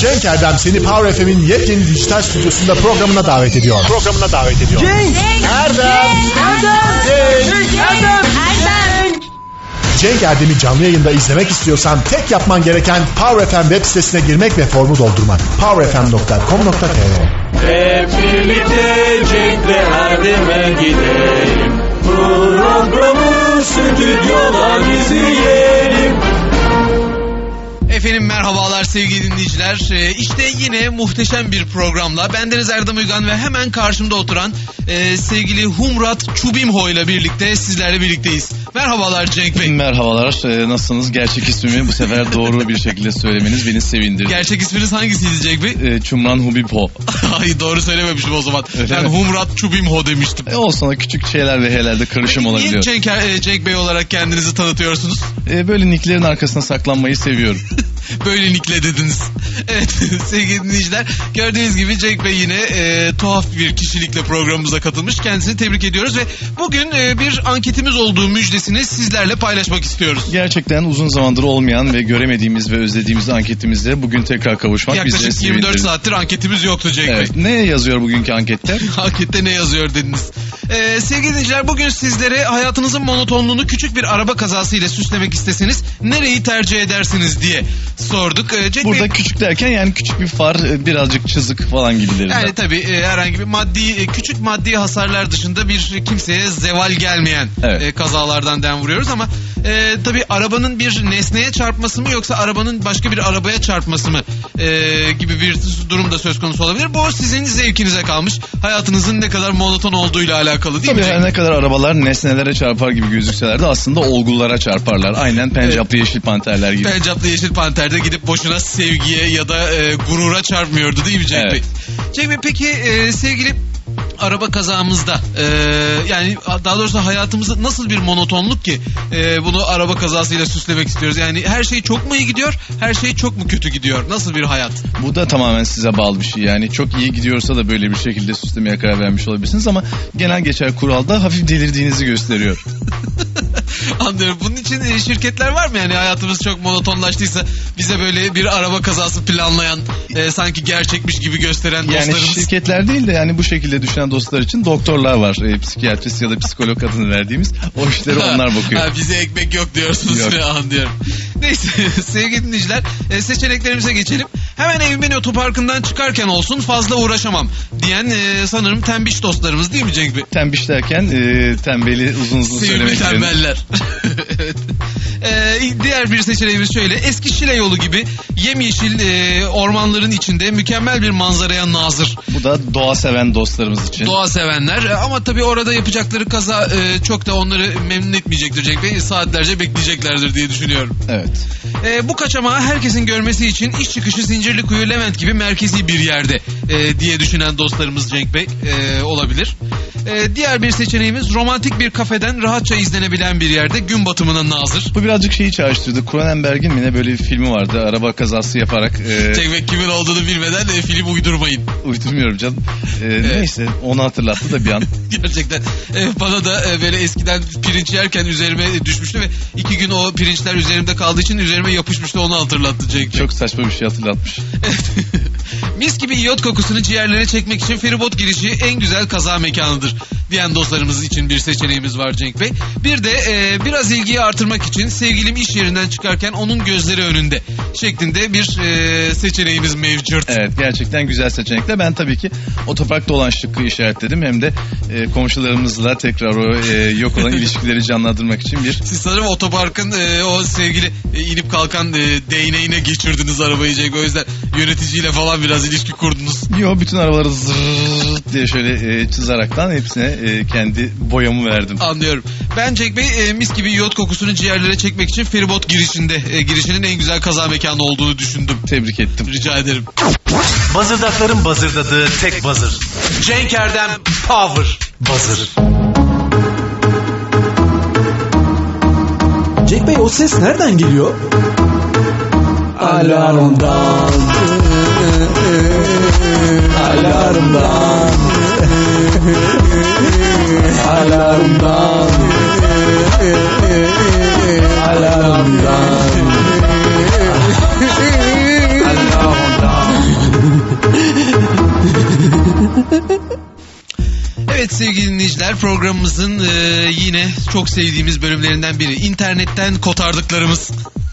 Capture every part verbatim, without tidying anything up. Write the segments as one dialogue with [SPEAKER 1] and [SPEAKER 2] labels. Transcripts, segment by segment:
[SPEAKER 1] Cenk Erdem seni Power F M'in yepyeni dijital stüdyosunda programına davet ediyor. Programına davet ediyor.
[SPEAKER 2] Cenk!
[SPEAKER 1] Erdem!
[SPEAKER 2] Erdem!
[SPEAKER 1] Cenk!
[SPEAKER 2] Erdem!
[SPEAKER 3] Erdem!
[SPEAKER 1] Cenk Erdem'i canlı yayında izlemek istiyorsan tek yapman gereken Power F M web sitesine girmek ve formu doldurmak. power f m nokta com nokta t r
[SPEAKER 4] Hep birlikte Cenk'le Erdem'e gidelim. Programı stüdyodan izleyelim.
[SPEAKER 5] Efendim merhabalar sevgili dinleyiciler. Ee, işte yine muhteşem bir programla bendeniz Erdem Uygan ve hemen karşımda oturan e, sevgili Humrat Çubimho ile birlikte sizlerle birlikteyiz. Merhabalar Cenk Bey.
[SPEAKER 6] Merhabalar. Ee, nasılsınız? Gerçek ismimi bu sefer doğru bir şekilde söylemeniz beni sevindirdi.
[SPEAKER 5] Gerçek isminiz hangisiydi Cenk Bey?
[SPEAKER 6] Ee, Çumran Hubibho.
[SPEAKER 5] Hayır doğru söylememişim o zaman.
[SPEAKER 6] Öyle
[SPEAKER 5] ben
[SPEAKER 6] mi?
[SPEAKER 5] Humrat Çubimho demiştim.
[SPEAKER 6] E, olsun o küçük şeyler ve helerde karışım
[SPEAKER 5] Niye
[SPEAKER 6] olabiliyor.
[SPEAKER 5] Cenk, e, Cenk Bey olarak kendinizi tanıtıyorsunuz?
[SPEAKER 6] Ee, böyle nicklerin arkasına saklanmayı seviyorum.
[SPEAKER 5] Böyle nickle dediniz. Evet sevgili dinleyiciler, gördüğünüz gibi Cenk Bey yine e, tuhaf bir kişilikle programımıza katılmış. Kendisini tebrik ediyoruz ve bugün e, bir anketimiz olduğu müjdesini sizlerle paylaşmak istiyoruz.
[SPEAKER 6] Gerçekten uzun zamandır olmayan ve göremediğimiz ve özlediğimiz anketimizle bugün tekrar kavuşmak bizi
[SPEAKER 5] Yaklaşık
[SPEAKER 6] sevindirdi.
[SPEAKER 5] yirmi dört saattir anketimiz yoktu Cenk
[SPEAKER 6] Evet.
[SPEAKER 5] Bey.
[SPEAKER 6] Ne yazıyor bugünkü anketler?
[SPEAKER 5] Ankette ne yazıyor dediniz. Ee, sevgili dinleyiciler, bugün sizlere hayatınızın monotonluğunu küçük bir araba kazası ile süslemek isteseniz nereyi tercih edersiniz diye sorduk. Ee, Cenk
[SPEAKER 6] Burada
[SPEAKER 5] Bey,
[SPEAKER 6] küçük derken yani küçük bir far, birazcık çizik falan gibilerinden.
[SPEAKER 5] yani tabii e, herhangi bir maddi e, küçük maddi hasarlar dışında bir kimseye zeval gelmeyen
[SPEAKER 6] Evet.
[SPEAKER 5] e, kazalardan dem vuruyoruz ama e, tabii arabanın bir nesneye çarpması mı yoksa arabanın başka bir arabaya çarpması mı e, gibi bir durum da söz konusu olabilir. Bu sizin zevkinize kalmış. Hayatınızın ne kadar monoton olduğuyla alakalı değil
[SPEAKER 6] Tabii
[SPEAKER 5] mi?
[SPEAKER 6] her ne kadar arabalar nesnelere çarpar gibi gözükseler de aslında olgulara çarparlar. Aynen Pencaplı Yeşil Panterler gibi.
[SPEAKER 5] Pencaplı Yeşil Panter'de gidip boşuna sevgiye ya da e, gurura çarpmıyordu değil mi Cenk
[SPEAKER 6] Evet.
[SPEAKER 5] Bey? Cenk Bey peki e, sevgili araba kazamızda e, yani daha doğrusu hayatımızda nasıl bir monotonluk ki e, bunu araba kazasıyla süslemek istiyoruz? Yani her şey çok mu iyi gidiyor, her şey çok mu kötü gidiyor? Nasıl bir hayat?
[SPEAKER 6] Bu da tamamen size bağlı bir şey. Yani çok iyi gidiyorsa da böyle bir şekilde süslemeye karar vermiş olabilirsiniz ama genel geçer kuralda hafif delirdiğinizi gösteriyor.
[SPEAKER 5] Anlıyorum. Bunun için e, şirketler var mı yani hayatımız çok monotonlaştıysa bize böyle bir araba kazası planlayan e, sanki gerçekmiş gibi gösteren
[SPEAKER 6] Yani
[SPEAKER 5] dostlarımız?
[SPEAKER 6] şirketler değil de yani bu şekilde düşünen dostlar için doktorlar var. E, psikiyatrist ya da psikolog adını verdiğimiz. O işleri onlar bakıyor.
[SPEAKER 5] Ha, bize ekmek yok diyorsunuz.
[SPEAKER 6] Yok.
[SPEAKER 5] Anlıyorum. Neyse sevgili dinleyiciler, e, seçeneklerimize geçelim. Hemen evimin otoparkından çıkarken olsun fazla uğraşamam diyen e, sanırım tembiş dostlarımız değil mi Cenk Bey?
[SPEAKER 6] Tembiş derken e, tembeli uzun uzun
[SPEAKER 5] Sevimli
[SPEAKER 6] söylemek için.
[SPEAKER 5] tembeller. Evet. Ee, diğer bir seçeneğimiz şöyle: eski Şile yolu gibi yemyeşil e, ormanların içinde mükemmel bir manzaraya nazır.
[SPEAKER 6] Bu da doğa seven dostlarımız için.
[SPEAKER 5] Doğa sevenler e, ama tabii orada yapacakları kaza e, çok da onları memnun etmeyecektir Cenk Bey. Saatlerce bekleyeceklerdir diye düşünüyorum.
[SPEAKER 6] Evet.
[SPEAKER 5] E, bu kaçamağı herkesin görmesi için iş çıkışı Zincirlikuyu Levent gibi merkezi bir yerde e, diye düşünen dostlarımız Cenk Bey e, olabilir. E, diğer bir seçeneğimiz romantik bir kafeden rahatça izlenebilen bir yerde gün batımına nazır.
[SPEAKER 6] Bu birazcık şeyi çağrıştırdı. Cronenberg'in mi ne böyle bir filmi vardı. Araba kazası yaparak. E,
[SPEAKER 5] Cenk Bey kimin olduğunu bilmeden e, film uydurmayın.
[SPEAKER 6] uydurmuyorum canım. E, Neyse onu hatırlattı da bir an.
[SPEAKER 5] Gerçekten e, bana da e, böyle eskiden pirinç yerken üzerime düşmüştü ve iki gün o pirinçler üzerimde kaldığı için üzerime yapışmıştı, onu hatırlattı Cenk Bey.
[SPEAKER 6] Çok saçma bir şey hatırlatmış.
[SPEAKER 5] Mis gibi iyot kokusunu ciğerlere çekmek için feribot girişi en güzel kaza mekanıdır diyen dostlarımız için bir seçeneğimiz var Cenk Bey. Bir de e, biraz ilgiyi artırmak için sevgilim iş yerinden çıkarken onun gözleri önünde şeklinde bir e, seçeneğimiz mevcut.
[SPEAKER 6] Evet, gerçekten güzel seçenekler. Ben tabii ki otoparkta olan şıkkı işaretledim. Hem de e, komşularımızla tekrar o e, yok olan ilişkileri canlandırmak için bir...
[SPEAKER 5] Siz sanırım otoparkın e, o sevgili e, inip kalkan e, değneğine geçirdiniz arabayı Cenk. O yüzden yöneticiyle falan biraz ilişki kurdunuz.
[SPEAKER 6] Yo, bütün arabaları zırrrrt diye şöyle e, çizerekten hepsine e, kendi boyamı verdim.
[SPEAKER 5] Anlıyorum. Ben Cenk Bey e, mis gibi iyot kokusunu ciğerlere çekmek için feribot girişinde e, girişinin en güzel kaza mekanı olduğunu düşündüm.
[SPEAKER 6] Tebrik ettim.
[SPEAKER 5] Rica ederim.
[SPEAKER 2] Bazırdakların bazırdadığı tek bazır. Cenk Erdem Power Bazır.
[SPEAKER 7] Cenk Bey, o ses nereden geliyor? Alarmdan. Alarmdan. Alarmdan. Alarmdan. Alarmdan.
[SPEAKER 5] programımızın e, yine çok sevdiğimiz bölümlerinden biri. İnternetten kotardıklarımız.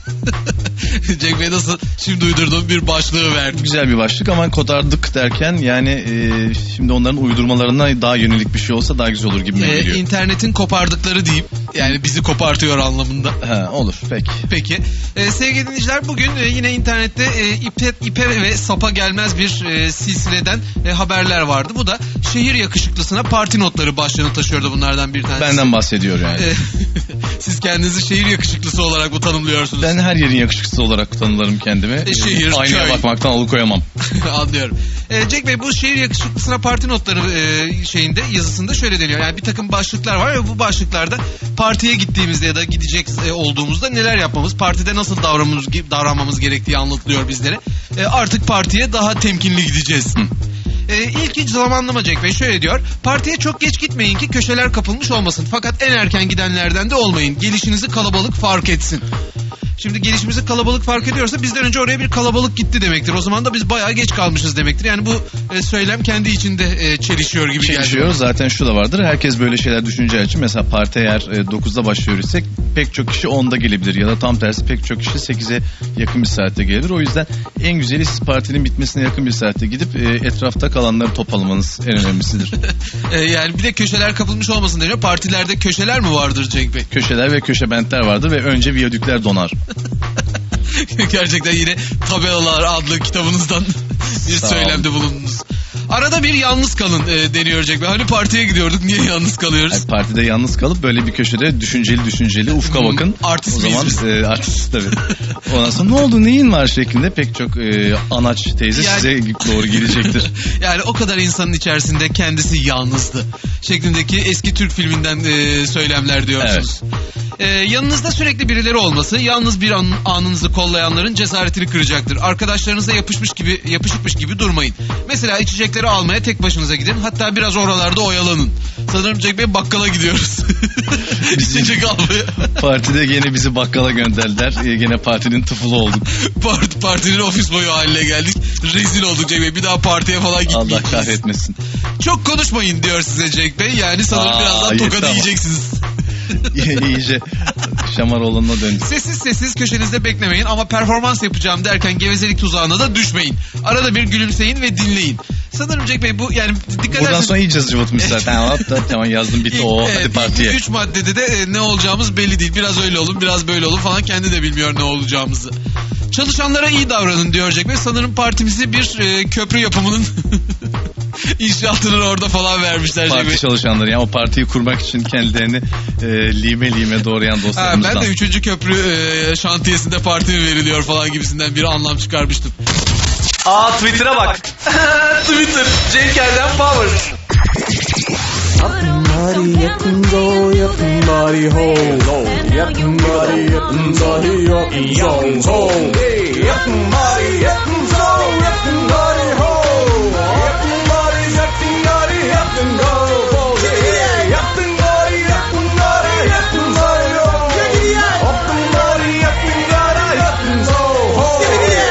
[SPEAKER 5] Cenk Bey nasıl şimdi uydurduğum bir başlığı verdim.
[SPEAKER 6] Güzel bir başlık ama kotardık derken yani e, şimdi onların uydurmalarına daha yönelik bir şey olsa daha güzel olur gibi
[SPEAKER 5] E,
[SPEAKER 6] geliyor.
[SPEAKER 5] internetin kopardıkları deyip yani bizi kopartıyor anlamında.
[SPEAKER 6] Ha, olur peki.
[SPEAKER 5] Peki. E, sevgili dinleyiciler bugün e, yine internette e, ipe, ipe ve sapa gelmez bir e, silsileden e, haberler vardı. Bu da şehir yakışıklısına parti notları başlığını taşıyordu bunlardan bir tanesi.
[SPEAKER 6] Benden bahsediyor yani.
[SPEAKER 5] E, siz kendinizi şehir yakışıklısı olarak mı tanımlıyorsunuz?
[SPEAKER 6] Ben her yerin yakışıklısı olarak tanımlarım kendimi.
[SPEAKER 5] E, şehir,
[SPEAKER 6] Aynaya
[SPEAKER 5] köy.
[SPEAKER 6] bakmaktan alıkoyamam.
[SPEAKER 5] Anlıyorum. E, Cenk Bey bu şehir yakışıklısına parti notları e, şeyinde yazısında şöyle deniyor. Yani bir takım başlıklar var ve bu başlıklarda partiye gittiğimizde ya da gidecek e, olduğumuzda neler yapmamız, partide nasıl davranmamız, davranmamız gerektiği anlatılıyor bizlere. E, artık partiye daha temkinli gideceğiz. E, ilk hiç zamanlama Cenk Bey şöyle diyor. Partiye çok geç gitmeyin ki köşeler kapılmış olmasın. Fakat en erken gidenlerden de olmayın. Gelişinizi kalabalık fark etsin. Şimdi gelişimizi kalabalık fark ediyorsa bizden önce oraya bir kalabalık gitti demektir. O zaman da biz bayağı geç kalmışız demektir. Yani bu e, söylem kendi içinde e, çelişiyor gibi geldi.
[SPEAKER 6] Çelişiyor. Zaten şu da vardır. Herkes böyle şeyler düşüneceği için mesela parti eğer e, dokuzda başlıyor isek pek çok kişi onda gelebilir. Ya da tam tersi pek çok kişi sekize yakın bir saatte gelebilir. O yüzden en güzeli siz partinin bitmesine yakın bir saatte gidip e, etrafta kalanları toplamanız en önemlisidir.
[SPEAKER 5] E, yani bir de köşeler kapılmış olmasın deniyor. Partilerde köşeler mi vardır Cenk Bey?
[SPEAKER 6] Köşeler ve köşe bentler vardır ve önce viyadükler donar.
[SPEAKER 5] Gerçekten yine Tabelalar adlı kitabınızdan bir
[SPEAKER 6] Sağ
[SPEAKER 5] söylemde bulundunuz. Arada bir yalnız kalın e, deniyor Cenk Bey. Hani partiye gidiyorduk, niye yalnız kalıyoruz?
[SPEAKER 6] Yani partide yalnız kalıp böyle bir köşede düşünceli düşünceli ufka
[SPEAKER 5] Hmm,
[SPEAKER 6] bakın.
[SPEAKER 5] artist
[SPEAKER 6] o
[SPEAKER 5] miyiz
[SPEAKER 6] zaman
[SPEAKER 5] biz?
[SPEAKER 6] e, artist tabii. Ondan sonra ne oldu neyin var şeklinde pek çok e, anaç teyze
[SPEAKER 5] Yani-
[SPEAKER 6] size doğru gelecektir.
[SPEAKER 5] Yani o kadar insanın içerisinde kendisi yalnızdı şeklindeki eski Türk filminden e, söylemler diyorsunuz. E, yanınızda sürekli birileri olması yalnız bir an, anınızı kollayanların cesaretini kıracaktır. Arkadaşlarınıza yapışmış gibi yapışıkmış gibi durmayın. Mesela içecekleri almaya tek başınıza gidin. Hatta biraz oralarda oyalanın. Sanırım Cenk Bey bakkala gidiyoruz. İçecek almaya.
[SPEAKER 6] Partide gene bizi bakkala gönderdiler. E, gene partinin tıfılı olduk.
[SPEAKER 5] Part, partinin ofis boyu haline geldik. Rezil olduk Cenk Bey. Bir daha partiye falan
[SPEAKER 6] Allah
[SPEAKER 5] gitmeyeceğiz.
[SPEAKER 6] kahretmesin.
[SPEAKER 5] Çok konuşmayın diyor size Cenk Bey. Yani sanırım
[SPEAKER 6] Aa,
[SPEAKER 5] birazdan
[SPEAKER 6] yeter
[SPEAKER 5] tokadı
[SPEAKER 6] ama.
[SPEAKER 5] yiyeceksiniz.
[SPEAKER 6] İyice Şamaroğlu'na döndük.
[SPEAKER 5] Sessiz sessiz köşenizde beklemeyin ama performans yapacağım derken gevezelik tuzağına da düşmeyin. Arada bir gülümseyin ve dinleyin. Sanırım Cenk Bey bu yani dikkat
[SPEAKER 6] Buradan
[SPEAKER 5] ederseniz...
[SPEAKER 6] sonra iyice zıvıtmış zaten. Hop da tamam yazdım bitti.
[SPEAKER 5] İlk,
[SPEAKER 6] O
[SPEAKER 5] evet,
[SPEAKER 6] hadi
[SPEAKER 5] ilk
[SPEAKER 6] partiye.
[SPEAKER 5] Üç maddede de e, ne olacağımız belli değil. Biraz öyle olun, biraz böyle olun falan. Kendi de bilmiyor ne olacağımızı. Çalışanlara iyi davranın diyor Cenk Bey. Sanırım partimizi bir e, köprü yapımının inşaatını orada falan vermişler Cenk Bey.
[SPEAKER 6] Parti çalışanları yani o partiyi kurmak için kendilerini e, lime lime doğrayan
[SPEAKER 5] Ha,
[SPEAKER 6] dostlarımızdan.
[SPEAKER 5] ben de üçüncü köprü e, şantiyesinde parti mi veriliyor falan gibisinden bir anlam çıkarmıştım.
[SPEAKER 2] Aa Twitter'a bak. Twitter. Cenk Erdem Power.
[SPEAKER 7] Body up and go, up and body hold, up and body, up and body, up and zone, hold. Hey, up and body, up and zone, up and body hold, up and body, up and body, up and go, hold. Hey, up and body, up and body, up and body hold, up and body, up and body, up and zone, hold.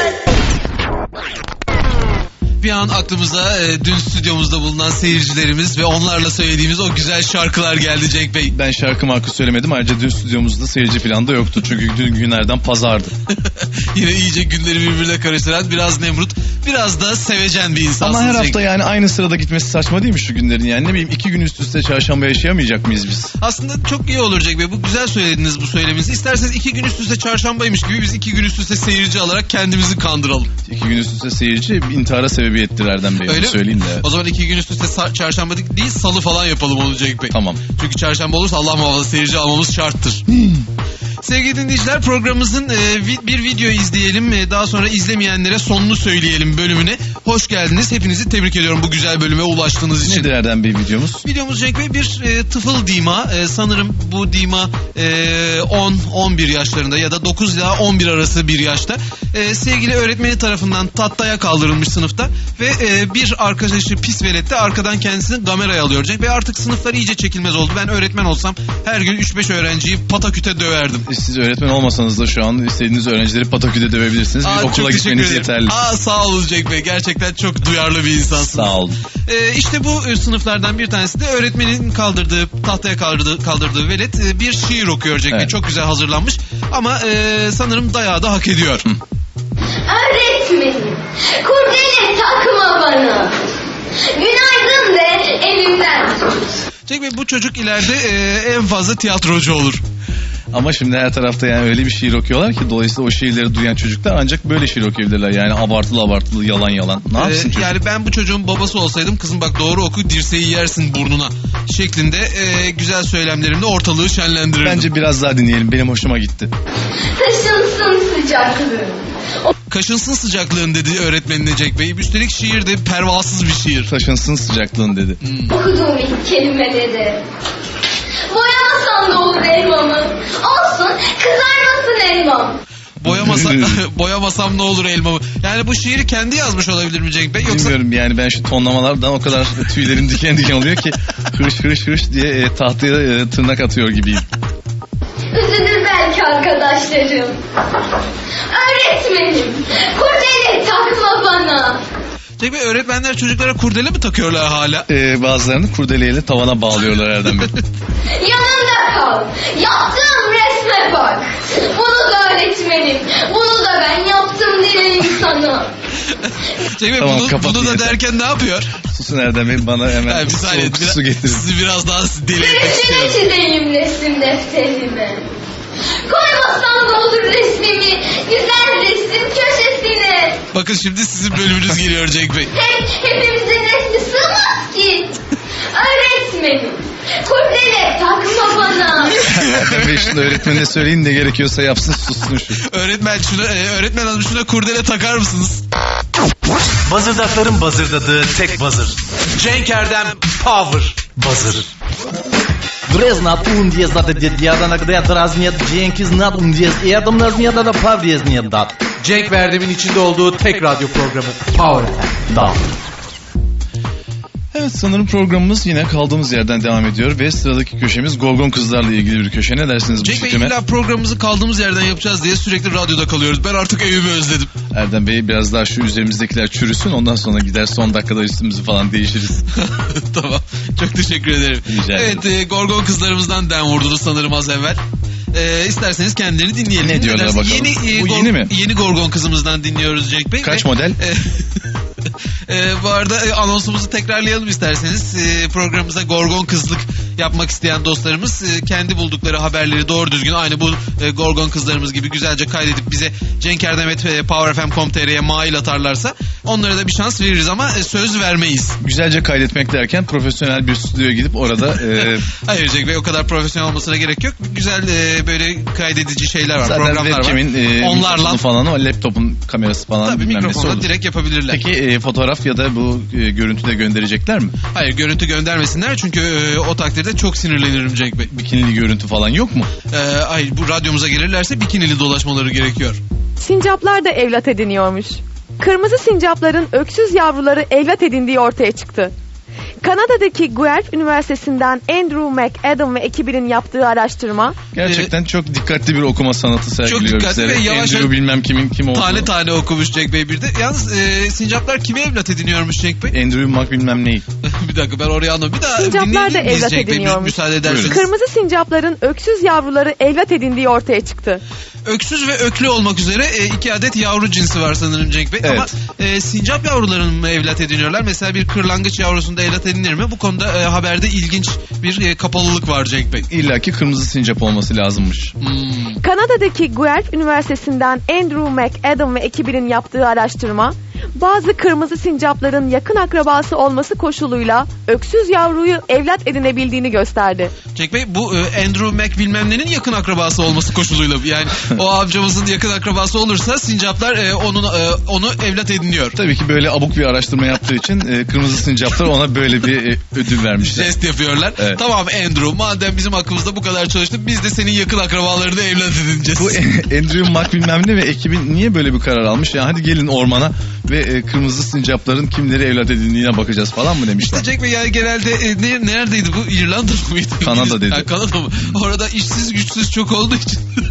[SPEAKER 5] Bir an aklımıza e, dün stüdyomuzda bulunan seyircilerimiz ve onlarla söylediğimiz o güzel şarkılar geldi Cenk Bey.
[SPEAKER 6] Ben şarkı marka söylemedim. Ayrıca dün stüdyomuzda seyirci falan da yoktu. Çünkü dün günlerden pazardı.
[SPEAKER 5] Yine iyice günleri birbirine karıştıran biraz Nemrut, biraz da sevecen bir insansınız.
[SPEAKER 6] Ama her
[SPEAKER 5] Cenk
[SPEAKER 6] hafta
[SPEAKER 5] Bey.
[SPEAKER 6] yani aynı sırada gitmesi saçma değil mi şu günlerin yani? Ne bileyim iki gün üst üste çarşamba yaşayamayacak mıyız biz?
[SPEAKER 5] Aslında çok iyi olur Cenk Bey. Bu güzel söylediniz bu söyleminizi. İsterseniz iki gün üst üste çarşambaymış gibi biz iki gün üst üste seyirci alarak kendimizi kandıralım.
[SPEAKER 6] İki gün üst üste seyirci intihara sebebiyettir Erdem Bey.
[SPEAKER 5] Öyle
[SPEAKER 6] Onu
[SPEAKER 5] mi?
[SPEAKER 6] söyleyeyim de.
[SPEAKER 5] O zaman iki gün üst üste sa- çarşamba değil salı falan yapalım onu Cenk Bey.
[SPEAKER 6] Tamam.
[SPEAKER 5] Çünkü çarşamba olursa Allah muhafaza seyirci almamız şarttır. Sevgili dinleyiciler programımızın e, vi- bir video izleyelim. E, daha sonra izlemeyenlere sonunu söyleyelim bölümüne. Hoş geldiniz. Hepinizi tebrik ediyorum bu güzel bölüme ulaştığınız için.
[SPEAKER 6] Nedir Erdem Bey videomuz?
[SPEAKER 5] Videomuz Cenk Bey bir e, tıfıl dima. E, sanırım bu dima e, on on bir yaşlarında ya da dokuz ila on bir arası bir yaşta. E, sevgili öğretmeni tarafından tahtaya kaldırılmış sınıfta ve e, bir arkadaşı pis velet de arkadan kendisini kameraya alıyor Cenk Bey. Artık sınıflar iyice çekilmez oldu. Ben öğretmen olsam her gün üç beş öğrenciyi pataküte döverdim.
[SPEAKER 6] Siz öğretmen olmasanız da şu an istediğiniz öğrencileri pataküde dövebilirsiniz. Bir
[SPEAKER 5] Aa, çok
[SPEAKER 6] okula
[SPEAKER 5] teşekkür
[SPEAKER 6] gitmeniz
[SPEAKER 5] ederim.
[SPEAKER 6] yeterli.
[SPEAKER 5] Aa, sağ olun Cenk Bey. Gerçekten Gerçekten çok duyarlı bir insansın.
[SPEAKER 6] Sağ olun.
[SPEAKER 5] Ee, işte bu e, sınıflardan bir tanesi de öğretmenin kaldırdığı, tahtaya kaldırdığı, kaldırdığı velet e, bir şiir okuyor Cenk Bey.
[SPEAKER 6] Evet.
[SPEAKER 5] Çok güzel hazırlanmış ama e, sanırım dayağı da hak ediyor.
[SPEAKER 3] Öğretmenim, kurdele takma bana. Günaydın de elimden tut.
[SPEAKER 5] Cenk Bey, bu çocuk ileride e, en fazla tiyatrocu olur.
[SPEAKER 6] Ama şimdi her tarafta yani öyle bir şiir okuyorlar ki dolayısıyla o şiirleri duyan çocuklar ancak böyle şiir okuyabilirler. Yani abartılı abartılı yalan yalan. Ne yapsın
[SPEAKER 5] Ee,
[SPEAKER 6] çocuk?
[SPEAKER 5] yani ben bu çocuğun babası olsaydım, kızım bak doğru oku dirseği yersin burnuna şeklinde e, güzel söylemlerimle ortalığı şenlendirirdim.
[SPEAKER 6] Bence biraz daha dinleyelim. Benim hoşuma gitti.
[SPEAKER 3] Taşınsın sıcaklığın.
[SPEAKER 5] Kaşınsın sıcaklığın dedi öğretmenine Cenk Bey. Üstelik şiir de pervasız bir şiir.
[SPEAKER 6] Taşınsın sıcaklığın dedi.
[SPEAKER 3] Okuduğum ilk kelimeleri. Boyamasan da olur elmamı. Olsun kızarmasın elmam.
[SPEAKER 5] Boyamasa, boyamasam ne olur elmamı. Yani bu şiiri kendi yazmış olabilir mi Cenk Bey? Yoksa
[SPEAKER 6] Bilmiyorum yani ben şu tonlamalardan o kadar tüylerim diken diken oluyor ki hırış hırış hırış diye e, tahtaya e, tırnak atıyor gibiyim.
[SPEAKER 3] Üzülür belki arkadaşlarım. Öğretmenim, kurdele takma bana.
[SPEAKER 5] Cenk Bey, öğretmenler çocuklara kurdele mi takıyorlar hala?
[SPEAKER 6] E, bazılarını kurdeleyle tavana bağlıyorlar Erdem Bey.
[SPEAKER 3] Yanımda kal. Yaptığım resme bak. Bunu da öğretmenim. Bunu da ben yaptım diyeyim sana.
[SPEAKER 5] Cenk Bey,
[SPEAKER 6] Tamam,
[SPEAKER 5] bunu,
[SPEAKER 6] kapat
[SPEAKER 5] bunu da
[SPEAKER 6] yeter.
[SPEAKER 5] derken ne yapıyor?
[SPEAKER 6] Susun Erdem Bey, bana hemen
[SPEAKER 5] Ha, bir saniye,
[SPEAKER 6] soğuk
[SPEAKER 5] biraz-
[SPEAKER 6] su getirin.
[SPEAKER 5] sizi biraz daha deli etmek
[SPEAKER 3] Resmini
[SPEAKER 5] istiyorum.
[SPEAKER 3] çizeyim resim defterime. Koymazsan da olur resmimi. Güzel resim köşesine.
[SPEAKER 5] Bakın şimdi sizin bölümünüz geliyor Cenk Bey.
[SPEAKER 3] Hem hepimizin resmi sığmaz ki. Öğretmenim. Kurdele takma bana.
[SPEAKER 6] Erdem Bey şimdi öğretmenine söyleyin ne gerekiyorsa yapsın sussun şu.
[SPEAKER 5] Öğretmen şuna, e, öğretmen hanım şuna kurdele takar mısınız?
[SPEAKER 2] Bazırdakların bazırdadığı tek bazır. Cenk Erdem Power Bazır.
[SPEAKER 8] Грэ знат, ун диез дат, дед ядана грэ драз нет, Cenk знат, ун диез эдам наз нет, да пав диез нет дат.
[SPEAKER 7] Cenk ve Erdem'in içinde olduğu tek radyo programı Power F M.
[SPEAKER 8] Да.
[SPEAKER 6] Evet sanırım programımız yine kaldığımız yerden devam ediyor ve sıradaki köşemiz Gorgon Kızlarla ilgili bir köşe. Ne dersiniz bu
[SPEAKER 5] Cenk Bey,
[SPEAKER 6] fikrime?
[SPEAKER 5] illa programımızı kaldığımız yerden yapacağız diye sürekli radyoda kalıyoruz. Ben artık evimi özledim.
[SPEAKER 6] Erdem Bey biraz daha şu üzerimizdekiler çürüsün ondan sonra gider son dakikada üstümüzü falan değişiriz.
[SPEAKER 5] Tamam. Çok teşekkür ederim.
[SPEAKER 6] Rica ederim.
[SPEAKER 5] Evet, e, Gorgon kızlarımızdan den vurdunuz sanırım az evvel. E, isterseniz kendilerini dinleyelim.
[SPEAKER 6] Ne diyorlar
[SPEAKER 5] dersin?
[SPEAKER 6] bakalım?
[SPEAKER 5] Yeni, e,
[SPEAKER 6] Bu
[SPEAKER 5] Gor-
[SPEAKER 6] yeni mi?
[SPEAKER 5] Yeni Gorgon kızımızdan dinliyoruz Cenk Bey.
[SPEAKER 6] Kaç
[SPEAKER 5] Ve-
[SPEAKER 6] model?
[SPEAKER 5] E, e, bu arada e, anonsumuzu tekrarlayalım isterseniz. E, programımıza Gorgon kızlık yapmak isteyen dostlarımız e, kendi buldukları haberleri doğru düzgün aynı bu e, Gorgon kızlarımız gibi güzelce kaydedip bize cenkerdemet e, powerfm nokta com nokta tr'ye mail atarlarsa onlara da bir şans veririz ama e, söz vermeyiz.
[SPEAKER 6] Güzelce kaydetmek derken profesyonel bir stüdyoya gidip orada e,
[SPEAKER 5] Hayır Cenk Bey, o kadar profesyonel olmasına gerek yok. Güzel e, böyle kaydedici şeyler var,
[SPEAKER 6] zaten
[SPEAKER 5] programlar var.
[SPEAKER 6] webcam'in e,
[SPEAKER 5] Onlarla
[SPEAKER 6] mikrofonu falan o laptopun kamerası falan
[SPEAKER 5] tabii
[SPEAKER 6] bilmem nesi
[SPEAKER 5] mikrofonla
[SPEAKER 6] olur.
[SPEAKER 5] direkt yapabilirler.
[SPEAKER 6] Peki e, fotoğraf ya da bu e, görüntü de gönderecekler mi?
[SPEAKER 5] Hayır, görüntü göndermesinler çünkü e, o takdirde çok sinirlenirim Cenk Bey.
[SPEAKER 6] Bikinili görüntü falan yok mu?
[SPEAKER 5] E, hayır, bu radyomuza gelirlerse bikinili dolaşmaları gerekiyor.
[SPEAKER 9] Sincaplar da evlat ediniyormuş. Kırmızı sincapların öksüz yavruları evlat edindiği ortaya çıktı. Kanada'daki Guelph Üniversitesi'nden Andrew McAdam ve ekibinin yaptığı araştırma
[SPEAKER 6] Gerçekten çok dikkatli bir okuma sanatı sergiliyor
[SPEAKER 5] Çok dikkatli
[SPEAKER 6] bizlere.
[SPEAKER 5] ve yavaş-
[SPEAKER 6] Andrew bilmem kimin kim olduğunu.
[SPEAKER 5] Tane tane okumuş Cenk Bey bir de. Yalnız e, sincaplar kimi evlat ediniyormuş Cenk Bey?
[SPEAKER 6] Andrew Mac bilmem neyi.
[SPEAKER 5] Bir dakika, ben oraya anlamadım. Bir daha
[SPEAKER 9] Sincaplar
[SPEAKER 5] dinleyebilir
[SPEAKER 9] da
[SPEAKER 5] miyiz
[SPEAKER 9] evlat
[SPEAKER 5] Cenk Bey?
[SPEAKER 9] ediniyormuş.
[SPEAKER 5] Müsaade ederseniz.
[SPEAKER 9] kırmızı sincapların öksüz yavruları evlat edindiği ortaya çıktı.
[SPEAKER 5] Öksüz ve öklü olmak üzere e, iki adet yavru cinsi var sanırım Cenk Bey.
[SPEAKER 6] Evet.
[SPEAKER 5] Ama e, sincap yavrularını mı evlat ediniyorlar? Mesela bir kırlangıç yavrusunda evlat edinilir mi? Bu konuda e, haberde ilginç bir e, kapalılık var Cenk Bey.
[SPEAKER 6] İlla ki kırmızı sincap olması lazımmış.
[SPEAKER 5] Hmm.
[SPEAKER 9] Kanada'daki Guelph Üniversitesi'nden Andrew McAdam ve ekibinin yaptığı araştırma, bazı kırmızı sincapların yakın akrabası olması koşuluyla öksüz yavruyu evlat edinebildiğini gösterdi.
[SPEAKER 5] Cenk Bey, bu e, Andrew Mac bilmem nenin yakın akrabası olması koşuluyla, yani o amcamızın yakın akrabası olursa sincaplar e, onun e, onu evlat ediniyor.
[SPEAKER 6] Tabii ki böyle abuk bir araştırma yaptığı için e, kırmızı sincaplar ona böyle bir e, ödül vermişler.
[SPEAKER 5] Jest yapıyorlar.
[SPEAKER 6] Evet.
[SPEAKER 5] Tamam Andrew, madem bizim aklımızda bu kadar çalıştı, biz de senin yakın akrabalarını evlat edineceğiz.
[SPEAKER 6] Bu Andrew Mac bilmem ne ve ekibin niye böyle bir karar almış? Ya hadi gelin ormana ve e, kırmızı sincapların kimleri evlat edindiğine bakacağız falan mı demişler.
[SPEAKER 5] İşte Cenk Bey, yani genelde e, ne, neredeydi bu? İrlanda mıydı?
[SPEAKER 6] Kanada dedi.
[SPEAKER 5] Ha, Kanada mı? Orada işsiz güçsüz çok olduğu için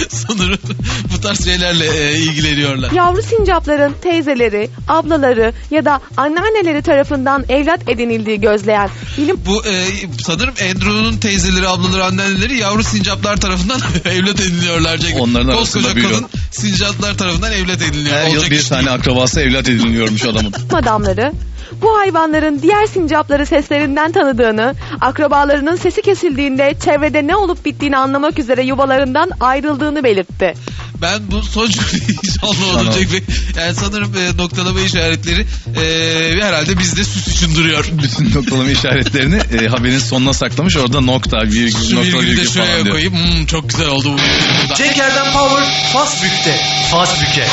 [SPEAKER 5] Sanırım bu tarz şeylerle e, ilgileniyorlar.
[SPEAKER 9] Yavru sincapların teyzeleri, ablaları ya da anneanneleri tarafından evlat edinildiği gözleyen bilim
[SPEAKER 5] Bu e, sanırım Andrew'un teyzeleri, ablaları, anneanneleri yavru sincaplar tarafından evlat ediniliyorlar. Cenk.
[SPEAKER 6] Onların
[SPEAKER 5] Koskoca
[SPEAKER 6] arasında biri
[SPEAKER 5] kadın sincaplar tarafından evlat ediniliyor.
[SPEAKER 6] Her yıl
[SPEAKER 5] Olacak
[SPEAKER 6] bir
[SPEAKER 5] iş
[SPEAKER 6] tane
[SPEAKER 5] değil.
[SPEAKER 6] akrabası evlat ediniliyormuş adamın.
[SPEAKER 9] adamları bu hayvanların diğer sincapları seslerinden tanıdığını, akrabalarının sesi kesildiğinde çevrede ne olup bittiğini anlamak üzere yuvalarından ayrıldığını belirtti.
[SPEAKER 5] Ben bu son cümleyi hiç anlamadım
[SPEAKER 6] Tamam.
[SPEAKER 5] Cenk Bey. Yani sanırım e, noktalama işaretleri e, herhalde bizde süs için duruyor.
[SPEAKER 6] Bütün noktalama işaretlerini e, haberin sonuna saklamış. Orada nokta, virgül,
[SPEAKER 5] Şu
[SPEAKER 6] nokta,
[SPEAKER 5] virgülü de
[SPEAKER 6] virgül
[SPEAKER 5] şuraya
[SPEAKER 6] falan diyor.
[SPEAKER 5] koyayım. Hmm, çok güzel oldu bu virgül burada.
[SPEAKER 2] Cenk Erdem Power Fast Bük'te. Fast Bük'e.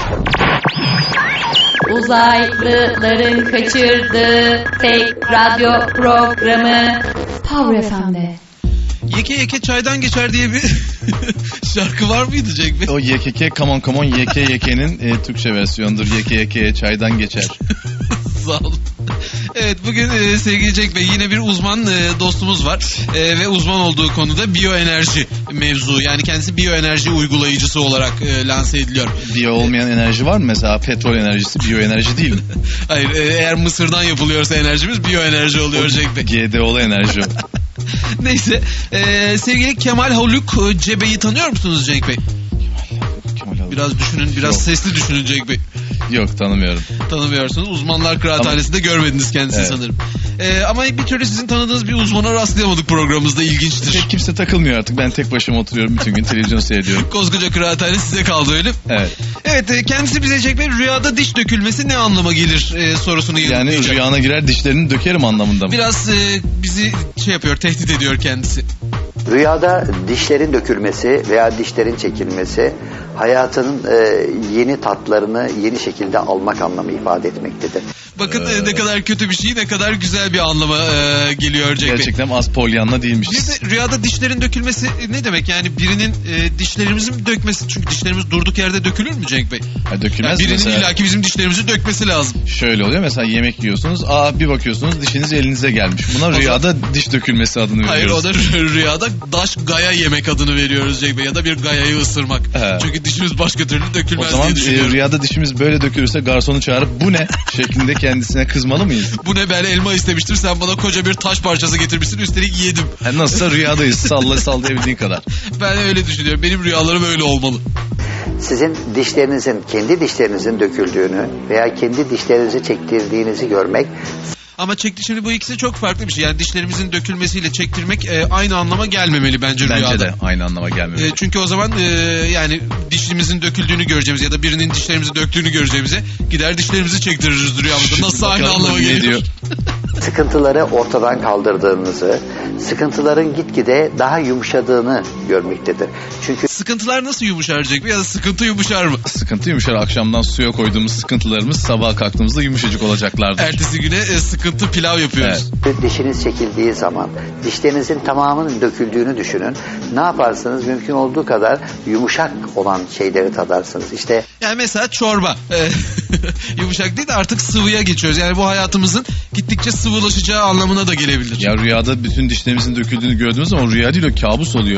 [SPEAKER 10] Uzaylıların kaçırdığı tek radyo programı Power F M'de.
[SPEAKER 5] Yeke yeke çaydan geçer diye bir şarkı var mıydı Cenk Bey?
[SPEAKER 6] O Y K K Come On Come On Y K Y K'nin e, Türkçe versiyonudur. Y K Y K çaydan geçer.
[SPEAKER 5] Sağ olun. Evet, bugün e, sevgili Cenk Bey yine bir uzman e, dostumuz var E, ve uzman olduğu konuda biyoenerji mevzu, yani kendisi biyoenerji uygulayıcısı olarak e, lanse ediliyor.
[SPEAKER 6] Biyo olmayan enerji var mı? Mesela petrol enerjisi biyoenerji değil mi?
[SPEAKER 5] Hayır, e, eğer mısırdan yapılıyorsa enerjimiz biyoenerji oluyor Cenk Bey.
[SPEAKER 6] G D O'lu enerji o.
[SPEAKER 5] Neyse, e, sevgili Kemal Haluk e, Cebe'yi tanıyor musunuz Cenk Bey?
[SPEAKER 6] Kemal Haluk.
[SPEAKER 5] Biraz düşünün, biraz
[SPEAKER 6] Yok.
[SPEAKER 5] sesli düşünün Cenk Bey.
[SPEAKER 6] Yok, tanımıyorum.
[SPEAKER 5] Tanımıyorsunuz. Uzmanlar Kıraathanesi'nde görmediniz kendisini
[SPEAKER 6] Evet.
[SPEAKER 5] sanırım. Ee, ama bir türlü sizin tanıdığınız bir uzmana rastlayamadık programımızda. İlginçtir.
[SPEAKER 6] Tek kimse takılmıyor artık. Ben tek başıma oturuyorum, bütün gün televizyon seyrediyorum.
[SPEAKER 5] Koskoca kıraathane size kaldı öyle mi?
[SPEAKER 6] Evet.
[SPEAKER 5] Evet, e, kendisi bize Cenk Bey rüyada diş dökülmesi ne anlama gelir e, sorusunu
[SPEAKER 6] Yani
[SPEAKER 5] yanıtlayacak.
[SPEAKER 6] rüyana girer dişlerini dökerim anlamında mı?
[SPEAKER 5] Biraz e, bizi şey yapıyor, tehdit ediyor kendisi.
[SPEAKER 11] Rüyada dişlerin dökülmesi veya dişlerin çekilmesi hayatının e, yeni tatlarını yeni şekilde almak anlamı ifade etmektedir.
[SPEAKER 5] Bakın e, ne kadar kötü bir şey, ne kadar güzel bir anlama e, geliyor Cenk Bey.
[SPEAKER 6] Gerçekten az polyanla
[SPEAKER 5] Bir
[SPEAKER 6] değilmişiz.
[SPEAKER 5] de rüyada dişlerin dökülmesi ne demek? Yani birinin e, dişlerimizi mi dökmesi? Çünkü dişlerimiz durduk yerde dökülür mü Cenk Bey?
[SPEAKER 6] Ha, dökülmez
[SPEAKER 5] Yani birinin
[SPEAKER 6] mesela.
[SPEAKER 5] illaki bizim dişlerimizi dökmesi lazım.
[SPEAKER 6] Şöyle oluyor, mesela yemek yiyorsunuz. Aa, bir bakıyorsunuz dişiniz elinize gelmiş. Buna rüyada diş dökülmesi adını
[SPEAKER 5] Hayır,
[SPEAKER 6] veriyoruz.
[SPEAKER 5] o da rü- rüyada daş gaya yemek adını veriyoruz Cenk Bey. Ya da bir gayayı ısırmak.
[SPEAKER 6] He.
[SPEAKER 5] Çünkü dişimiz başka türlü
[SPEAKER 6] O
[SPEAKER 5] dökülmez
[SPEAKER 6] zaman
[SPEAKER 5] diye
[SPEAKER 6] e,
[SPEAKER 5] düşünüyorum.
[SPEAKER 6] rüyada dişimiz böyle dökülürse garsonu çağırıp bu ne şeklinde kendisine kızmalı mıyız?
[SPEAKER 5] Bu ne, ben elma istemiştim, sen bana koca bir taş parçası getirmişsin, üstelik yedim.
[SPEAKER 6] Yani nasılsa rüyadayız, salla sallayabildiğin kadar.
[SPEAKER 5] Ben öyle düşünüyorum. Benim rüyalarım öyle olmalı.
[SPEAKER 11] Sizin dişlerinizin kendi dişlerinizin döküldüğünü veya kendi dişlerinizi çektirdiğinizi görmek
[SPEAKER 5] Ama çekti, şimdi bu ikisi çok farklı bir şey. Yani dişlerimizin dökülmesiyle çektirmek e, aynı anlama gelmemeli bence,
[SPEAKER 6] Bence
[SPEAKER 5] rüyada.
[SPEAKER 6] de aynı anlama gelmiyor.
[SPEAKER 5] E, çünkü o zaman e, yani dişimizin döküldüğünü göreceğimiz ya da birinin dişlerimizi döktüğünü göreceğimize gider dişlerimizi çektiririz rüyamızda. Nasıl aynı
[SPEAKER 6] Bakalım
[SPEAKER 5] anlama
[SPEAKER 6] ne
[SPEAKER 5] geliyor?
[SPEAKER 6] diyor?
[SPEAKER 11] sıkıntıları ortadan kaldırdığınızı, sıkıntıların gitgide daha yumuşadığını görmektedir. Çünkü
[SPEAKER 5] Sıkıntılar nasıl yumuşaracak ya da sıkıntı yumuşar mı?
[SPEAKER 6] Sıkıntı yumuşar. Akşamdan suya koyduğumuz sıkıntılarımız sabah kalktığımızda yumuşacık olacaklardır.
[SPEAKER 5] Ertesi güne e, sıkıntı pilav yapıyoruz.
[SPEAKER 11] dişiniz çekildiği zaman dişlerinizin tamamının döküldüğünü düşünün. Ne yaparsınız? Mümkün olduğu kadar yumuşak olan şeyleri tadarsınız. İşte
[SPEAKER 5] Yani mesela çorba. E, yumuşak değil de artık sıvıya geçiyoruz. Yani bu hayatımızın gittikçe sıvılaşacağı anlamına da gelebilir.
[SPEAKER 6] Ya rüyada bütün dişlerimizin döküldüğünü gördüğünüz zaman rüya değil, o kabus oluyor.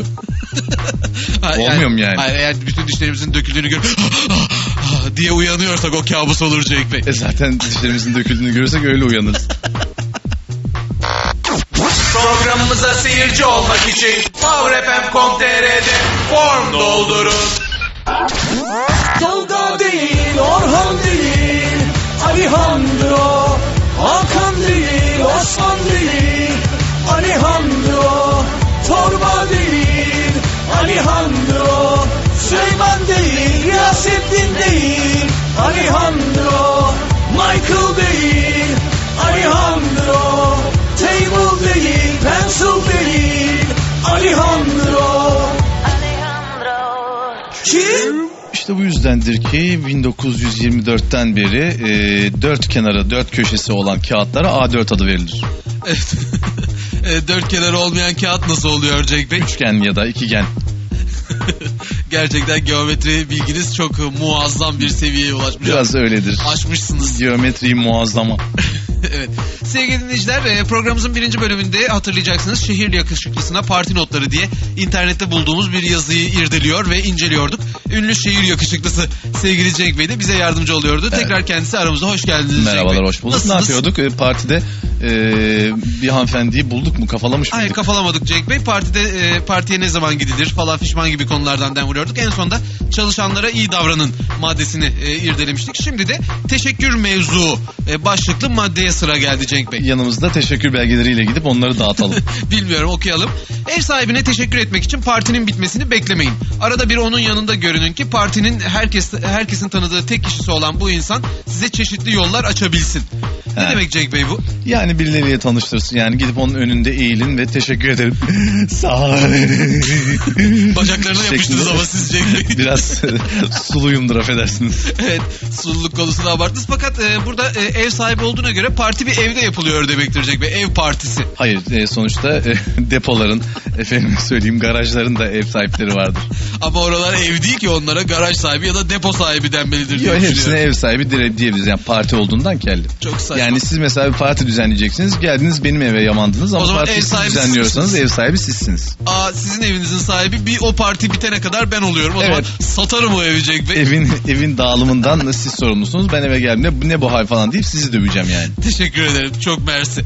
[SPEAKER 5] Ha,
[SPEAKER 6] olmuyor mu yani?
[SPEAKER 5] Hayır, eğer bütün dişlerimizin döküldüğünü gör diye uyanıyorsak o kabus olur Cenk Bey.
[SPEAKER 6] E zaten dişlerimizin döküldüğünü görürsek öyle uyanırız.
[SPEAKER 2] Programımıza seyirci olmak için power f m nokta com nokta t r'de form doldurun.
[SPEAKER 7] Tolga değil, Orhan değil, Alejandro, Hakan değil, Osman değil, Alejandro, Torba değil, Alejandro, Süleyman değil, Yasettin değil, Alejandro, Michael değil, Alejandro, Table değil, Pencil değil, Alejandro. Kim?
[SPEAKER 6] İşte bu yüzdendir ki bin dokuz yüz yirmi dörtten beri e, dört kenarı, dört köşesi olan kağıtlara A dört adı verilir.
[SPEAKER 5] Evet. E, dört kenarı olmayan kağıt nasıl oluyor Cenk Bey?
[SPEAKER 6] Üçgen ya da ikigen.
[SPEAKER 5] Gerçekten geometri bilginiz çok muazzam bir seviyeye ulaşmış.
[SPEAKER 6] Biraz öyledir.
[SPEAKER 5] Aşmışsınız.
[SPEAKER 6] Geometri muazzama.
[SPEAKER 5] Evet. Sevgili dinleyiciler, e, programımızın birinci bölümünde hatırlayacaksınız şehir yakışıklısına parti notları diye internette bulduğumuz bir yazıyı irdeliyor ve inceliyorduk. Ünlü şehir yakışıklısı sevgili Cenk Bey de bize yardımcı oluyordu.
[SPEAKER 6] Evet.
[SPEAKER 5] Tekrar kendisi aramıza hoş geldiniz.
[SPEAKER 6] Merhabalar,
[SPEAKER 5] Cenk Bey.
[SPEAKER 6] hoş bulduk.
[SPEAKER 5] Nasılsınız?
[SPEAKER 6] Ne yapıyorduk? E, partide e, bir hanımefendiyi bulduk mu? Kafalamış
[SPEAKER 5] Hayır,
[SPEAKER 6] mıydık?
[SPEAKER 5] kafalamadık Cenk Bey. Partide e, partiye ne zaman gidilir falan fişman gibi konulardan dem vuruyorduk. En sonunda çalışanlara iyi davranın maddesini e, irdelemiştik. Şimdi de teşekkür mevzu e, başlıklı maddeye sıra geldi Cenk Bey.
[SPEAKER 6] Yanımızda teşekkür belgeleriyle gidip onları dağıtalım.
[SPEAKER 5] Bilmiyorum, okuyalım. Ev sahibine teşekkür etmek için partinin bitmesini beklemeyin. Arada bir onun yanında görünün ki partinin herkes herkesin tanıdığı tek kişisi olan bu insan size çeşitli yollar açabilsin. Ne
[SPEAKER 6] He.
[SPEAKER 5] demek Cenk Bey bu?
[SPEAKER 6] Yani birileriyle tanıştırsın. Yani gidip onun önünde eğilin ve teşekkür ederim. Sağ ol.
[SPEAKER 5] Bacaklarına yapıştınız ama siz Cenk Bey.
[SPEAKER 6] Biraz suluyumdur, affedersiniz.
[SPEAKER 5] Evet, sululuk konusunu abarttınız. Fakat e, burada e, ev sahibi olduğuna göre parti bir evde yapılıyor demektir Cenk Bey. Ev partisi.
[SPEAKER 6] Hayır, e, sonuçta e, depoların, efendim söyleyeyim garajların da ev sahipleri vardır.
[SPEAKER 5] Ama oralar ev değil ki, onlara garaj sahibi ya da depo sahibi denmelidir diye
[SPEAKER 6] Yok, hepsine
[SPEAKER 5] düşünüyorum.
[SPEAKER 6] ev sahibi dire- diyebiliriz. Yani parti olduğundan kelli.
[SPEAKER 5] Çok saçma.
[SPEAKER 6] Yani siz mesela bir parti düzenleyeceksiniz. Geldiniz benim eve yamandınız ama
[SPEAKER 5] O zaman
[SPEAKER 6] parti
[SPEAKER 5] ev
[SPEAKER 6] siz
[SPEAKER 5] sahibi siz
[SPEAKER 6] düzenliyorsanız
[SPEAKER 5] misiniz?
[SPEAKER 6] ev sahibi sizsiniz.
[SPEAKER 5] Aa, sizin evinizin sahibi, bir o parti bitene kadar ben oluyorum. O
[SPEAKER 6] Evet.
[SPEAKER 5] zaman satarım o evi Cenk Bey.
[SPEAKER 6] Evin evin dağılımından siz sorumlusunuz. Ben eve geldiğimde bu ne bu hal falan deyip sizi döveceğim yani.
[SPEAKER 5] Teşekkür ederim. Çok mersi.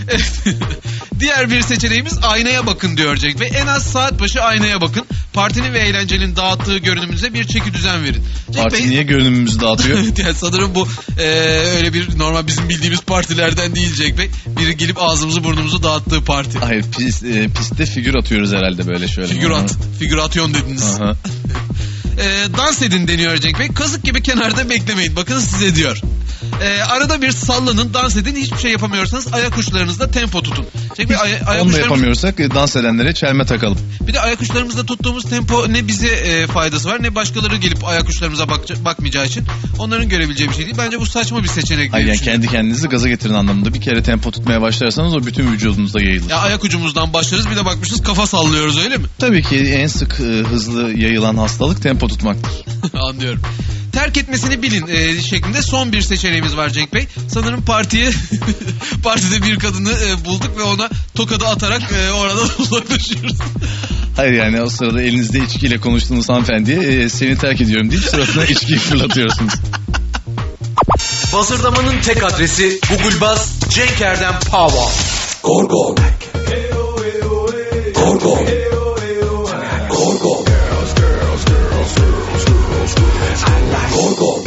[SPEAKER 5] Diğer bir seçeneğimiz aynaya bakın diyor Cenk Bey. En az saat başı aynaya bakın. Partinin ve eğlencenin dağıttığı görünümünüze bir çeki düzen verin. Cenk
[SPEAKER 6] Parti
[SPEAKER 5] Bey,
[SPEAKER 6] niye görünümümüzü dağıtıyor?
[SPEAKER 5] yani sanırım bu e, öyle bir normal bizim bildiğimiz partilerden değil Cenk Bey. Biri gelip ağzımızı burnumuzu dağıttığı parti.
[SPEAKER 6] Hayır, pis, e, pistte figür atıyoruz herhalde böyle şöyle.
[SPEAKER 5] Figürat, figürasyon dediniz.
[SPEAKER 6] Aha.
[SPEAKER 5] E, dans edin deniyor Cenk Bey. Kazık gibi kenarda beklemeyin. Bakın size diyor. E, arada bir sallanın, dans edin. Hiçbir şey yapamıyorsanız ayak uçlarınızda tempo tutun. Cenk Bey, ay- ayak
[SPEAKER 6] Onu da
[SPEAKER 5] uçlarımız...
[SPEAKER 6] yapamıyorsak e, dans edenlere çelme takalım.
[SPEAKER 5] Bir de ayak uçlarımızda tuttuğumuz tempo ne bize e, faydası var ne başkaları gelip ayak uçlarımıza bak- bakmayacağı için onların görebileceği bir şey değil. Bence bu saçma bir seçenek diye
[SPEAKER 6] Hayır, yani
[SPEAKER 5] düşünüyorum.
[SPEAKER 6] kendi kendinizi gaza getirin anlamında. Bir kere tempo tutmaya başlarsanız o bütün vücudunuzda yayılır.
[SPEAKER 5] Ya ayak ucumuzdan başlarız, bir de bakmışız kafa sallıyoruz, öyle mi?
[SPEAKER 6] Tabii ki en sık e, hızlı yayılan hastalık tempo tutmaktır.
[SPEAKER 5] Anlıyorum. Terk etmesini bilin e, şeklinde son bir seçeneğimiz var Cenk Bey. Sanırım partiye partide bir kadını e, bulduk ve ona tokadı atarak e, oradan uzaklaşıyoruz.
[SPEAKER 6] Hayır, yani o sırada elinizde içkiyle konuştuğunuz hanımefendiye e, seni terk ediyorum deyip suratına içkiyi fırlatıyorsunuz.
[SPEAKER 2] Bazırdamanın tek adresi Google Baz Cenk Erdem Power.
[SPEAKER 7] Gorgon. Gorgon. Gorgon. Gorgon.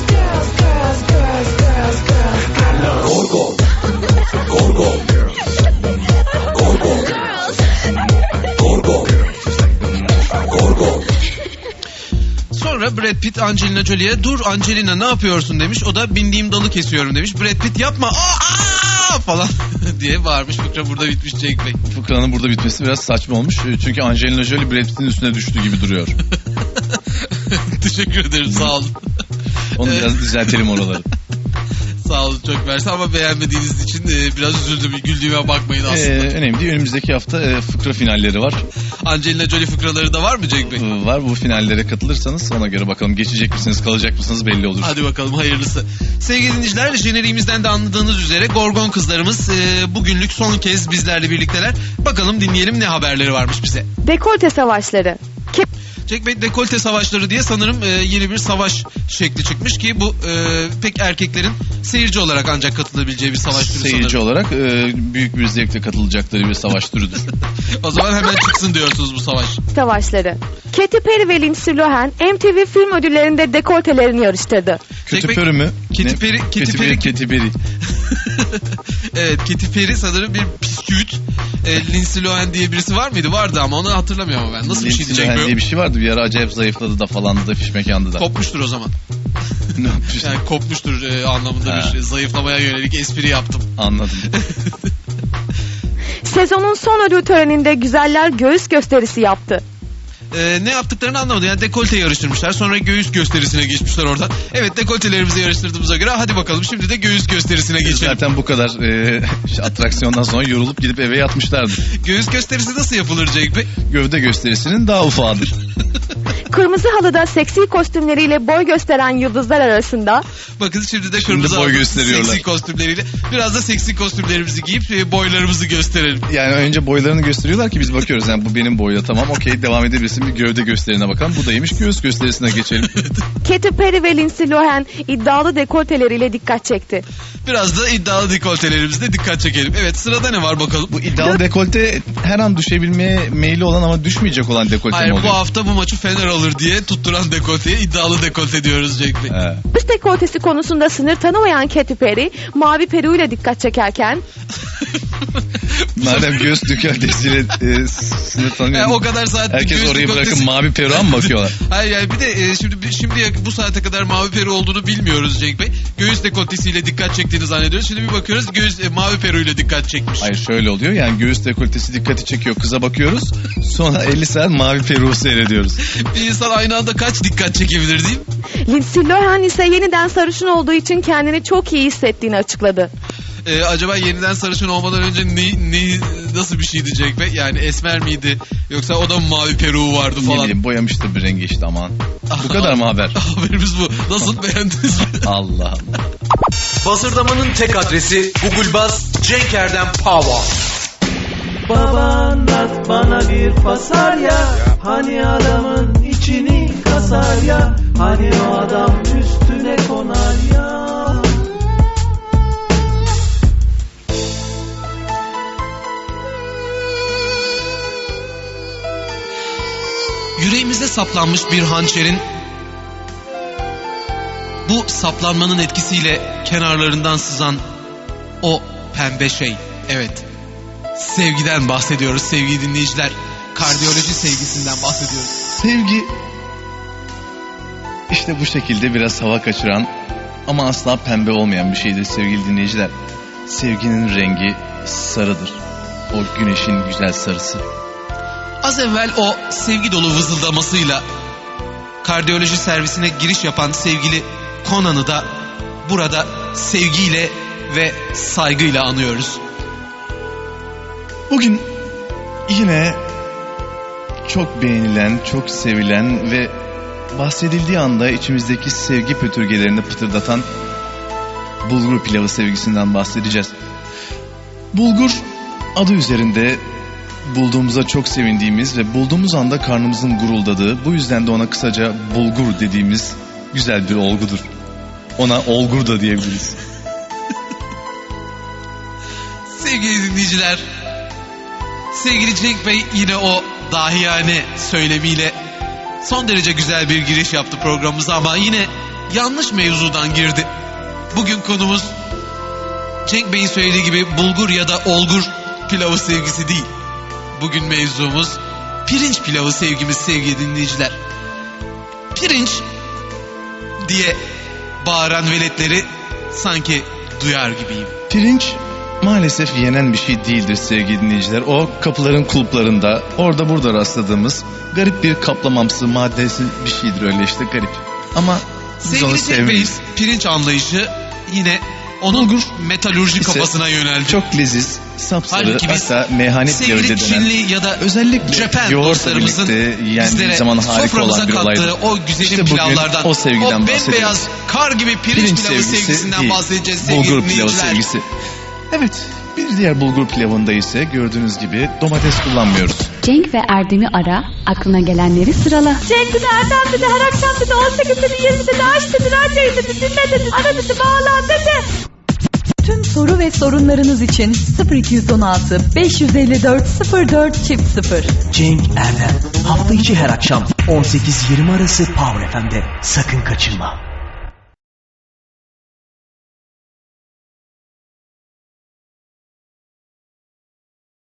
[SPEAKER 7] Gorgon. Gorgon. Gorgon. Gorgon. Gorgon.
[SPEAKER 5] Sonra Brad Pitt Angelina Jolie'ye dur Angelina ne yapıyorsun demiş. O da bindiğim dalı kesiyorum demiş. Brad Pitt yapma aa, aa! falan diye bağırmış. Fıkra burada bitmiş Cenk Bey.
[SPEAKER 6] Fıkranın burada bitmesi biraz saçma olmuş. E, Çünkü Angelina Jolie Brad Pitt'in üstüne düştü gibi duruyor.
[SPEAKER 5] Teşekkür ederim, sağ olun.
[SPEAKER 6] Onu biraz düzeltelim oraları.
[SPEAKER 5] Sağ olun, çok mersi ama beğenmediğiniz için e, biraz üzüldüm. Güldüğüme bakmayın aslında.
[SPEAKER 6] Ee, önemli değil. Önümüzdeki hafta e, fıkra finalleri var.
[SPEAKER 5] Angelina Jolie fıkraları da var mı Cenk Bey?
[SPEAKER 6] Ee, var, bu finallere katılırsanız ona göre bakalım geçecek misiniz kalacak mısınız belli olur.
[SPEAKER 5] Hadi bakalım, hayırlısı. Sevgili dinleyiciler, jeneriğimizden de anladığınız üzere Gorgon kızlarımız e, bugünlük son kez bizlerle birlikteler. Bakalım dinleyelim ne haberleri varmış bize.
[SPEAKER 9] Dekolte savaşları. Kim?
[SPEAKER 5] Cenk Bey, dekolte savaşları diye sanırım e, yeni bir savaş şekli çıkmış ki bu e, pek erkeklerin seyirci olarak ancak katılabileceği bir savaş türü
[SPEAKER 6] Seyirci
[SPEAKER 5] sanırım.
[SPEAKER 6] olarak e, büyük bir zevkle katılacakları bir savaş türüdür.
[SPEAKER 5] O zaman hemen çıksın diyorsunuz bu savaş.
[SPEAKER 9] Savaşları. Katy Perry ve Lindsay Lohan M T V film ödüllerinde dekoltelerini yarıştırdı.
[SPEAKER 6] Kötü
[SPEAKER 5] Bey,
[SPEAKER 6] pörü mü?
[SPEAKER 5] Katy
[SPEAKER 6] Ne?
[SPEAKER 5] Perry- Katy
[SPEAKER 6] Katy
[SPEAKER 5] Perry-
[SPEAKER 6] Perry, Katy Perry.
[SPEAKER 5] Evet, Katy Perry sanırım bir bisküvit. E, Lindsay Lohan diye birisi var mıydı? Vardı ama onu hatırlamıyorum ben. Nasıl bir
[SPEAKER 6] Lindsay
[SPEAKER 5] şeydi Cenk
[SPEAKER 6] Lohan
[SPEAKER 5] Bey?
[SPEAKER 6] diye bir şey vardı. Bir ara acayip zayıfladı da falandı da fiş mekandı da.
[SPEAKER 5] Kopmuştur o zaman.
[SPEAKER 6] Ne yapmış?
[SPEAKER 5] Yani kopmuştur e, anlamında
[SPEAKER 6] Ha.
[SPEAKER 5] bir zayıflamaya yönelik espri yaptım.
[SPEAKER 6] Anladım.
[SPEAKER 9] Sezonun son ödül töreninde güzeller göğüs gösterisi yaptı.
[SPEAKER 5] Ee, ne yaptıklarını anlamadım. Yani dekolte yarıştırmışlar. Sonra göğüs gösterisine geçmişler oradan. Evet, dekoltelerimizi yarıştırdığımıza göre hadi bakalım şimdi de göğüs gösterisine geçelim.
[SPEAKER 6] Zaten bu kadar e, atraksiyondan sonra yorulup gidip eve yatmışlardı.
[SPEAKER 5] Göğüs gösterisi nasıl yapılır Cenk Bey?
[SPEAKER 6] Gövde gösterisinin daha ufağıdır.
[SPEAKER 9] Kırmızı halıda seksi kostümleriyle boy gösteren yıldızlar arasında
[SPEAKER 5] Bakın şimdi de
[SPEAKER 6] Şimdi
[SPEAKER 5] kırmızı
[SPEAKER 6] boy
[SPEAKER 5] halı
[SPEAKER 6] gösteriyorlar.
[SPEAKER 5] seksi kostümleriyle. Biraz da seksi kostümlerimizi giyip e, boylarımızı gösterelim.
[SPEAKER 6] Yani önce boylarını gösteriyorlar ki biz bakıyoruz. Yani bu benim boyda, tamam okey, devam edebilirsin, bir gövde gösterine bakalım. Bu daymış, göğüs gösterisine geçelim.
[SPEAKER 9] Katy Perry ve Lindsay Lohan iddialı dekolteleriyle dikkat çekti.
[SPEAKER 5] Biraz da iddialı dekoltelerimizde dikkat çekelim. Evet, sırada ne var bakalım?
[SPEAKER 6] Bu iddialı dekolte her an düşebilmeye meyilli olan ama düşmeyecek olan dekolte
[SPEAKER 5] Hayır,
[SPEAKER 6] mi oluyor?
[SPEAKER 5] bu hafta bu maçı Fener alır diye tutturan dekolteye iddialı dekolte diyoruz Cenk Bey.
[SPEAKER 6] He.
[SPEAKER 9] Üst dekoltesi konusunda sınır tanımayan Katy Perry mavi peruğuyla dikkat çekerken
[SPEAKER 6] Madem göğüs dekoltesiyle e, sınır tanıyor.
[SPEAKER 5] E, o kadar saat
[SPEAKER 6] Herkes
[SPEAKER 5] göğüs
[SPEAKER 6] orayı
[SPEAKER 5] dekoltesi-
[SPEAKER 6] bırakıp mavi peruğa mı bakıyorlar?
[SPEAKER 5] Hayır yani bir de e, şimdi şimdi bu saate kadar mavi peru olduğunu bilmiyoruz Cenk Bey. Göğüs dekoltesiyle dikkat çektiğini zannediyoruz. Şimdi bir bakıyoruz göğüs e, mavi peruyla dikkat çekmiş.
[SPEAKER 6] Hayır, şöyle oluyor, yani göğüs dekoltesi dikkati çekiyor, kıza bakıyoruz, sonra elli saat mavi peruğu seyrediyoruz.
[SPEAKER 5] Bir insan aynı anda kaç dikkat çekebilir değil mi?
[SPEAKER 9] Lindsay Lohan ise yeniden sarışın olduğu için kendini çok iyi hissettiğini açıkladı.
[SPEAKER 5] Ee, acaba yeniden sarışın olmadan önce ne, ne nasıl bir şeydi Cenk Bey? Yani esmer miydi? Yoksa o da mı mavi peruğu vardı
[SPEAKER 6] Ne
[SPEAKER 5] falan?
[SPEAKER 6] bileyim, boyamıştır bir rengi işte, aman. Bu kadar mı haber?
[SPEAKER 5] Haberimiz bu. Nasıl, beğendiniz mi?
[SPEAKER 6] Allah Allah.
[SPEAKER 2] Bazırdamanın tek adresi Google Baz Cenk Erdem Power.
[SPEAKER 4] Babanlat bana bir fasarya, hani adamın içini kasar ya, hani o adam üstüne konar ya.
[SPEAKER 5] Yüreğimize saplanmış bir hançerin bu saplanmanın etkisiyle kenarlarından sızan o pembe şey. Evet. Sevgiden bahsediyoruz sevgili dinleyiciler. Kardiyoloji sevgisinden bahsediyoruz.
[SPEAKER 6] Sevgi işte bu şekilde biraz hava kaçıran ama asla pembe olmayan bir şeydir sevgili dinleyiciler. Sevginin rengi sarıdır. O güneşin güzel sarısı.
[SPEAKER 5] Az evvel o sevgi dolu vızıldamasıyla kardiyoloji servisine giriş yapan sevgili Conan'ı da burada sevgiyle ve saygıyla anıyoruz.
[SPEAKER 6] Bugün yine çok beğenilen, çok sevilen ve bahsedildiği anda içimizdeki sevgi pötürgelerini pıtırdatan bulgur pilavı sevgisinden bahsedeceğiz. Bulgur adı üzerinde bulduğumuza çok sevindiğimiz ve bulduğumuz anda karnımızın guruldadığı, bu yüzden de ona kısaca bulgur dediğimiz güzel bir olgudur. Ona olgur da diyebiliriz.
[SPEAKER 5] Sevgili dinleyiciler, sevgili Cenk Bey yine o dahiyane söylemiyle son derece güzel bir giriş yaptı programımıza ama yine yanlış mevzudan girdi. Bugün konumuz Cenk Bey'in söylediği gibi bulgur ya da olgur pilavı sevgisi değil. Bugün mevzumuz pirinç pilavı sevgimiz sevgili dinleyiciler. Pirinç diye bağıran veletleri sanki duyar gibiyim.
[SPEAKER 6] Pirinç maalesef yenen bir şey değildir sevgili dinleyiciler. O kapıların kulplarında orada burada rastladığımız garip bir kaplamamsı maddesi bir şeydir, öyle işte garip. Ama biz onu
[SPEAKER 5] Sevgili Cenk Bey'in
[SPEAKER 6] sevmeyiz.
[SPEAKER 5] pirinç anlayışı yine onun
[SPEAKER 6] Bulgur
[SPEAKER 5] metalurji
[SPEAKER 6] ise
[SPEAKER 5] kafasına yöneldi.
[SPEAKER 6] çok leziz, sapsarı,
[SPEAKER 5] Halbuki biz
[SPEAKER 6] hatta meyhane pilavı
[SPEAKER 5] sevgili
[SPEAKER 6] de denen,
[SPEAKER 5] Çinli ya da
[SPEAKER 6] özellikle
[SPEAKER 5] Japan
[SPEAKER 6] yoğurtla
[SPEAKER 5] dostlarımızın
[SPEAKER 6] birlikte yendiği
[SPEAKER 5] bizlere
[SPEAKER 6] zaman harika
[SPEAKER 5] soframıza
[SPEAKER 6] olan bir
[SPEAKER 5] kattığı
[SPEAKER 6] olaydır.
[SPEAKER 5] o güzelim
[SPEAKER 6] İşte bugün
[SPEAKER 5] pilavlardan,
[SPEAKER 6] o sevgiden
[SPEAKER 5] o
[SPEAKER 6] bahsediyoruz.
[SPEAKER 5] bembeyaz kar gibi pirinç,
[SPEAKER 6] Pirinç
[SPEAKER 5] pilavı
[SPEAKER 6] sevgisi
[SPEAKER 5] sevgisinden
[SPEAKER 6] değil,
[SPEAKER 5] bahsedeceğiz sevgili
[SPEAKER 6] bulgur pilavı
[SPEAKER 5] dinleyiciler.
[SPEAKER 6] sevgisi. Evet, bir diğer bulgur pilavında ise gördüğünüz gibi domates kullanmıyoruz.
[SPEAKER 10] Cenk ve Erdem'i ara, aklına gelenleri sırala.
[SPEAKER 9] Cenk dedi, Erdem dedi, her akşam dedi, on sekiz dedi, yirmi dedi, aç dedi, radyoyu dedi, dinle dedi, ara dedi, bağlan dedi.
[SPEAKER 12] Tüm soru ve sorunlarınız için sıfır iki on altı beş yüz elli dört sıfır dört çift sıfır.
[SPEAKER 13] Cenk Erdem hafta içi her akşam on sekiz yirmi arası Power F M'de sakın kaçırma.